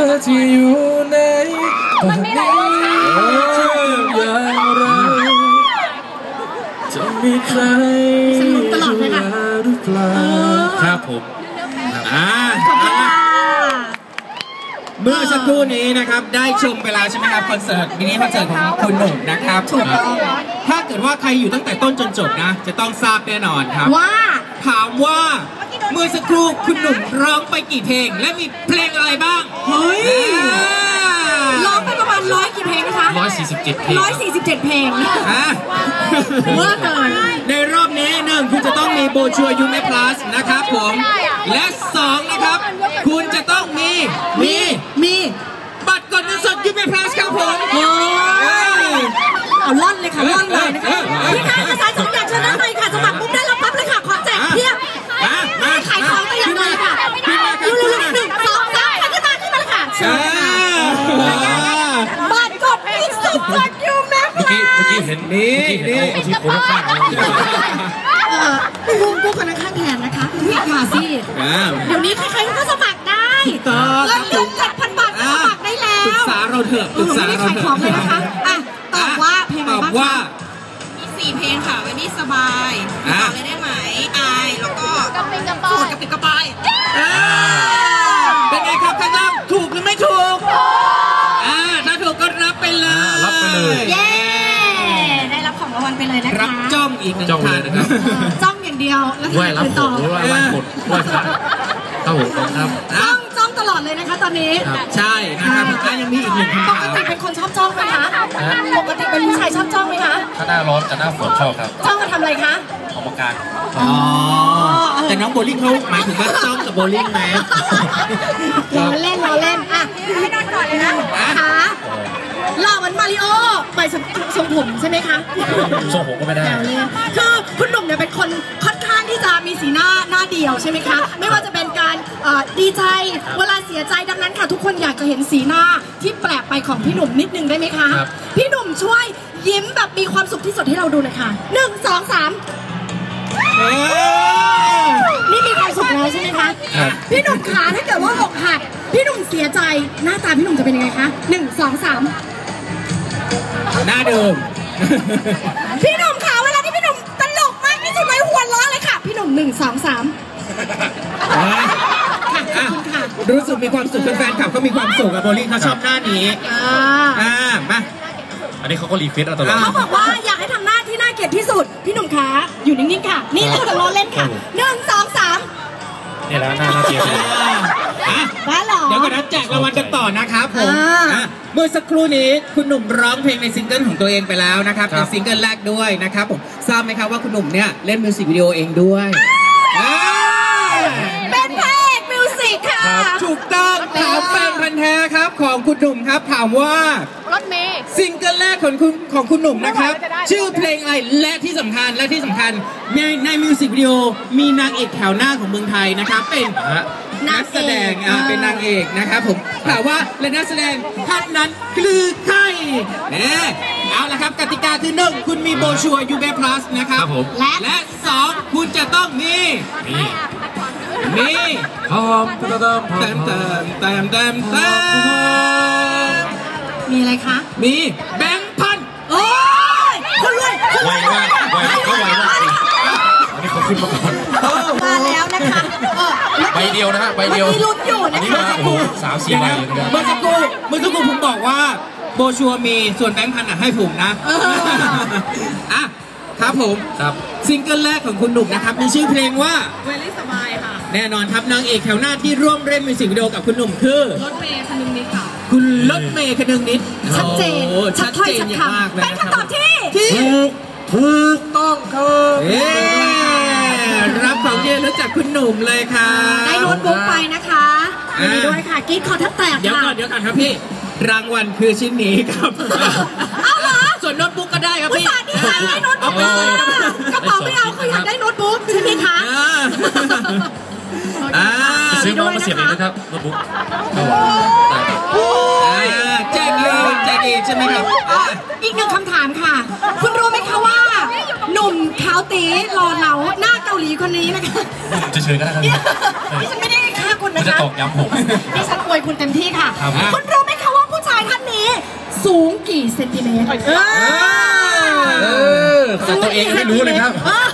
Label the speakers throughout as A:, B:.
A: ที่อยู่ใน
B: มันมีหลายรสชาติ
A: อย่างไรจะมีใคร
C: ตลอดเลยค่ะ
A: หรือเปล่าครับผม
D: เมื่อสักครู่นี้นะครับได้ชมไปแล้วใช่ไหมครับคอนเสิร์ตมินิคอนเสิร์ตของคุณหนุ่มนะครับถ้าเกิดว่าใครอยู่ตั้งแต่ต้นจนจบนะจะต้องทราบแน่นอนครับ
C: ว่า
D: ถามว่าเมื่อสักครู่คุณหนุ่มร้องไปกี่เพลงและมีเพลงอะไรบ้าง
C: เฮ้ยร้องไปประมาณ100 กี่เพลงนะคะ
A: 147 เพลง
C: 147 เพลงเมื่อเกิน
D: ในรอบนี้1คุณจะต้องมีโบชัวยูเมพลัสนะครับผมและ2นะครับคุณจะต้องมีบัตรกดเงินสดยูเมพลัสครับผม
C: เอาล่อนเลยค่ะล่อนเลยนะคะพี่ค่ะภาษา2อย่างชนะหน่อยค่ะสมัครปุ๊บได้รับปั๊บเลยค่ะขอแจกเพียบขายของไปอย่างเลยค่ะลุๆ1 2 3ขึ้นมาเลยค่ะบัตรกดเงินสดจากยูเมพลัส
A: เมื่อกี้เห็นนี่ที่คนข้าง
C: กูคนข้างแทนนะคะพี่ค่ะสิเดี๋ยวนี้ใครๆก็สมัครได้เงินเดือน7,000 บาทสมัครได้แล้ว
D: ปรึกษาเราเถอะปรึกษาเรา
C: เถอะเลยนะคะตอบว่าเพลงอะไรบ้างคะ
B: มี4 เพลงค่ะวันนี้สบายต่อเลยได้ไหมอายแล้วก็โสดกับปิดกระปาย
D: เป็นไงครับท่านล่างถูกหรือไม่ถูกถ้าถูกก็รับไปเลย
C: เย้ได้รับของรางวัลไปเลยนะคะ
D: รับจ้องอีก1 ทางนะครับ
C: จ้องอย่างเดียวแล้ว
A: ไหว้รับผลไหว้รับผลไหว้พระเข้าหัวครับ
C: จ้องตลอดเลยนะคะตอนนี้
D: ใช่นะครับยังมีอีก1 คำถาม
C: ปกติเป็นคนชอบจ้องไหมคะปกติเป็นผู้ชายชอบจ้องไหมคะ
A: ถ้าหน้าร้อนกับหน้าฝนชอบครับ
C: จ้องมาทำอะไรคะ
A: ออกกำลังกาย
D: แต่น้องโบลิ่งเขาหมายถึงว่าจ้องกับโบลิ่งไหม
C: ล้อเล่นให้นอนก่อนเลยนะค่ะหล่อเหมือนมาริโอไปทรงผมใช่ไหมคะ
A: ทรงผมก็ไม่ได้
C: คือคุณหนุ่มเนี่ยเป็นคนค่อนข้างที่จะมีสีหน้าเดียวใช่ไหมคะไม่ว่าจะเป็นการดีใจเวลาเสียใจดังนั้นค่ะทุกคนอยากจะเห็นสีหน้าที่แปลกไปของพี่หนุ่มนิดนึงได้ไหมคะพี่หนุ่มช่วยยิ้มแบบมีความสุขที่สุดให้เราดูหน่อยค่ะ1 2 3นี่มีความสุขแล้วใช่ไหมคะพี่หนุ่มขาถ้าเกิดว่าอกหักพี่หนุ่มเสียใจหน้าตาพี่หนุ่มจะเป็นยังไงคะ1 2 3
D: หน้าเดิม
C: พี่หนุ่มขาเวลาที่พี่หนุ่มตลกมากที่สุดเลยหัวเราะเลยค่ะพี่หนุ่ม1 2 3
D: รู้สึกมีความสุขแฟนคลับก็มีความสุขกับโบลิ่งเขาชอบหน้านี้มา
A: อันนี้เขาก็รีเควสตลอด
C: เขาบอกว่าอยากให้ทำหน้าที่น่าเกลียดที่สุดพี่หนุ่มขาอยู่นิ่งๆค่ะนี่เราจะล้อเล่นค่ะ1 2 3
A: นี่แล้วหน้าเกลียด
C: บ้าหรอ
D: เดี๋ยวก่อนนะแจกรางวัลกันต่อนะครับผมเมื่อสักครู่นี้คุณหนุ่มร้องเพลงในซิงเกิลของตัวเองไปแล้วนะครับเป็นซิงเกิลแรกด้วยนะครับผมทราบไหมครับว่าคุณหนุ่มเนี่ยเล่นมิวสิกวิดีโอเองด้วย
C: เป็นพระเอกมิวสิกค่ะ
D: ถูกต้องถามแฟนพันธ์แท้ครับของคุณหนุ่มครับถามว่าร
B: ถเมย์
D: ซิงเกิลแรกของคุณหนุ่มนะครับชื่อเพลงอะไรและที่สำคัญในมิวสิกวิดีโอมีนางเอกแถวหน้าของเมืองไทยนะครับเป็นนักแสดงเป็นนางเอกนะครับผมถามว่าและนักแสดงท่านนั้นคือใครเอาละครับกติกาคือ1คุณมีโบชัวยูเบพลัสนะครับและ2คุณจะต้องมี
C: มีอะไรคะ
D: มีแบงค์พัน
C: โอ้ยคนรวย
A: ไวมากอันนี้เขาขึ้นมาก่อน
C: มาแล้วนะคะ
A: ใบเดียวนะฮะใบเดียว
C: มีลุ้นอยู่นะคะ
A: 3-4 ใบ
D: เมื่อสักครู่ผมบอกว่าโบชัวมีส่วนแบงค์พันให้ผมนะครับผมซิงเกิลแรกของคุณหนุ่มนะครับมีชื่อเพลงว่า
B: เวลี่สบายค่ะ
D: แน่นอนครับนางเอกแถวหน้าที่ร่วมเล่นมิวสิกวิดีโอกับคุณหนุ่มคือ
B: รถเมย์คนึงนิดค่ะ
D: คุณรถเมย์คนึงนิด
C: ชัดเจน
D: อย่างมากเลย
C: เป็นคำตอบที่
A: ถูกต้องครับ
D: รับของที่ระลึกจากคุณหนุ่มเลยค่ะ
C: ได้โน้ตบุ๊กไปนะคะมีด้วยค่ะกิ๊กคอแทบแตก
D: เดี๋ยวก่อนครับพี่รางวัลคือชิ้นนี้ครับ
C: เอาเหรอ
D: ส่วนโน้ตบุ๊กก็ได้ครับพี่
C: ได้โน้ตบุ๊กกระเป๋าไม่เอาเขาอยากได้โน้ตบุ๊กใช่ไหมคะ
A: ซื้อมาเสียบเองนะครับโน้ตบุ๊ก
D: แจกอีกใช่ไหมครับ
C: อีก1 คำถามค่ะคุณรู้ไหมคะว่าหนุ่มขาวตีหล่อเหลาหน้าเกาหลีคนนี้นะคะ
A: จะเชิญก็ได้ครับ
C: ดิฉันไม่ได้ฆ่าคน
A: มันจะ
C: คะ
A: ตอกย้ำผม
C: ดิฉันอวยคุณเต็มที่ค่ะ
A: ครับ
C: คุณรู้ไหมคะว่าผู้ชายท่านนี้สูงกี่เซนติเมตร
A: แต่ตัวเองยังไม่รู้เลยครับ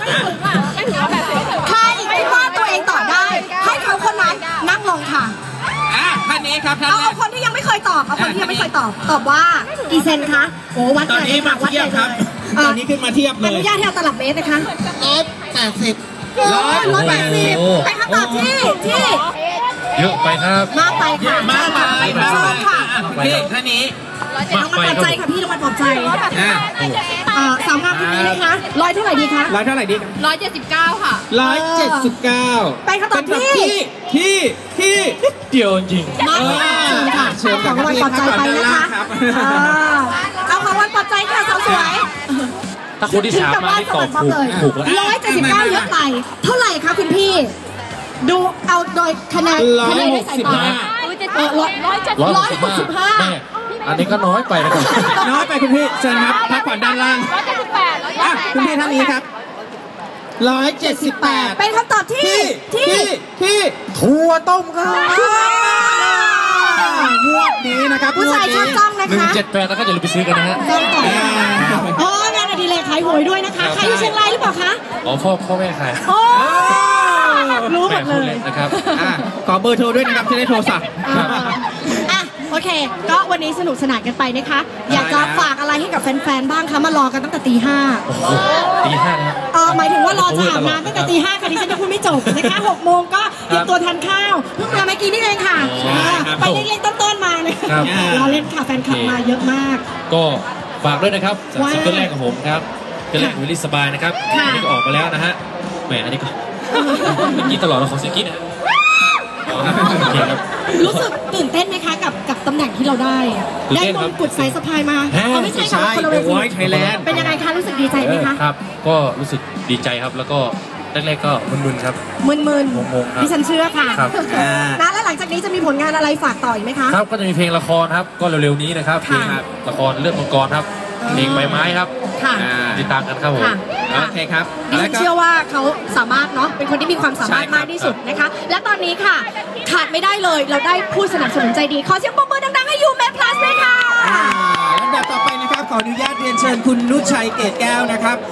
C: ใครคิดว่าตัวเองตอบได้ ให้เขาคนนั้นนั่งลงค่ะ
D: ท่านนี้ครับท่าน
C: เอาคนที่ยังไม่เคยตอบเอาคนที่ยังไม่เคยตอบตอบว่ากี่เซนคะโอ้วัด
D: ตอนนี้มาเทียบครับ ตอนนี้ขึ้นมาเทียบเล
C: อย นุญาตให้เอาตลับเมตรนะคะ
D: 180
C: 180เป็นคำตอบที่
A: เยอะไปครับ
C: มากไปค่ะ
D: มาไป
C: เชิญค่ะ
D: พี่ท่านนี้
C: รางวัลปลอบใจค่ะพี่รางวัลปลอบใจ สาวงามคนนี้นะคะร้อยเท่าไหร่ดีคะ
D: ร้อยเท่าไหร่ดีครับ
B: 179 ค่ะ
D: 179
C: เป็นคำตอบที่
D: ที่
A: เดียวจริง
C: มากค่ะเชิญค่ะ
D: เชิญ
C: เอาของรางวัลปลอบใจไปนะคะ
D: ครับ
C: เอาของรางวัลปลอบใจค่ะสาวสวย
A: ถ้าคนที่สามมาที่ตอบถูกแล้ว
C: 179เยอะไปเท่าไหร่คะคุณพี่ ดูเอาโดยคะแนนได้สายตา165
A: แม่อันนี้ก็น้อยไปนะครับ
D: น้อยไปคุณพี่เชิญครับพักผ่อนด้านล่างคุณพี่ท่านนี้ครับ178
C: เป็นคำตอบที่
D: ถั่วต้มครับงวดนี้นะครับ
C: ผู้ชายชอบจ้องนะคะ
A: 178แล้วก็อย่าลืมไปซื้อกันนะฮะ
C: จ้องต่องานอดิเรกขายหวยด้วยนะคะใครอยู่เชียงรายหรือเปล่าคะ
A: อ๋อพ่อแม่ขาย
C: โอ้รู้หมดเลย
A: นะครับ
D: ขอเบอร์โทรด้วยนะครับจะได้โทรสั่ง
C: อ่ะโอเค ก็วันนี้สนุกสนานกันไปนะคะ อยากจะฝากอะไรให้กับแฟนๆบ้างคะมารอกันตั้งแต่ตี 5
A: โอ้โหตีห้านะ
C: หมายถึงว่ารอจะอาบน้ำตั้งแต่ตี 5ค่ะดิฉันจะพูดไม่จบนะคะ6 โมงก็เตรียมตัวทานข้าวเพิ่งมาเมื่อกี้นี่เองค่ะไปเล็กๆต้นๆมาเลยรอเล่นค่ะแฟนคลับมาเยอะมาก
A: ก็ฝากด้วยนะครับซิงเกิลแรกของผมครับซิงเกิลแรกวิลลี่สบายนะครับอันนี้ก็ออกมาแล้วนะฮะแหมอันนี้ก็เมื่อกี้ตลอดเราของเสียงกี้นะโอเคครับ
C: รู้สึกตื่นเต้นไหมคะกับตำแหน่งที่เราได้อะได้มงกุฎสายสะพายมาไม่ใช่ค่ะคนละเวที
D: Thailand
C: เป็นยังไงคะรู้สึกดีใจไหมคะ
A: ครับก็รู้สึกดีใจครับแล้วก็แรกๆก็มึนๆครับ
C: มึน
A: งงๆครับ
C: ดิฉันเชื่อค่ะ
A: ครับ
C: นะแล้วหลังจากนี้จะมีผลงานอะไรฝากต่ออีกไหมคะ
A: ครับก็จะมีเพลงละครครับก็เร็วๆนี้นะครับเพล
C: ค่ะ
A: งละครเรื่องมังกรครับเพลงใบไม้ครับ
C: ค่ะ
A: ติดตามกันครับผม
C: ค่ะ
D: โอเคครับ
C: ดิฉันเชื่อว่าเขาสามารถเนาะเป็นคนที่มีความสามารถ
D: ใช่ครับ
C: มากที่สุดนะคะ และตอนนี้ค่ะ ขาดไม่ได้เลยเราได้ผู้สนับสนุนใจดีขอเสียงปรบมือดังๆให้ยูแมพลัสเลยค่ะ
D: ลำดับต่อไปนะครับขออนุญาตเรียนเชิญคุณนุชชัยเกตแก้วนะครับ